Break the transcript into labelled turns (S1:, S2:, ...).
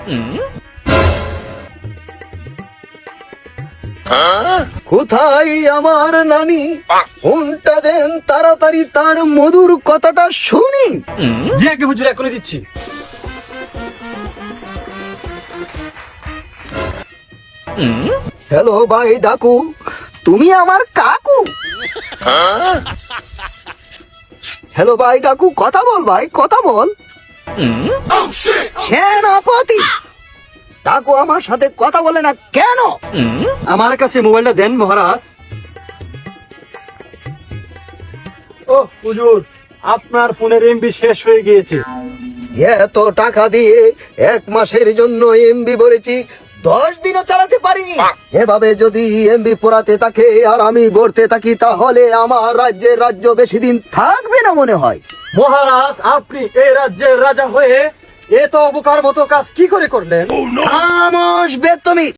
S1: কোথায় আমার নানি? ফোনটা দেন তাড়াতাড়ি, তার মধুর কথাটা শুনি।
S2: জি আগে হুজুর, করে দিচ্ছি।
S1: হ্যালো ভাই ডাকু, তুমি আমার কাকু? হ্যালো ভাই ডাকু, কথা বল ভাই, কথা বল। সেনাপতি ডাকু আমার সাথে কথা বলে না কেন?
S2: আমার কাছে মোবাইলটা দেন মহারাজ। ও হুজুর, আপনার ফোনের এমবি শেষ হয়ে গিয়েছে।
S1: এত টাকা দিয়ে 1 মাসের জন্য এমবি ভরেছি, 10 দিনও চালাতে পারিনি। এভাবে যদি এমবি পোড়াতে থাকে আর আমি ভরতে থাকি, তাহলে আমার রাজ্যের রাজ্য বেশি দিন থাকবে না মনে হয়।
S2: মহারাজ, আপনি এই রাজ্যের রাজা হয়ে এত বোকার মতো কাজ কি করে করলেন?
S1: খামোশ বেদমি।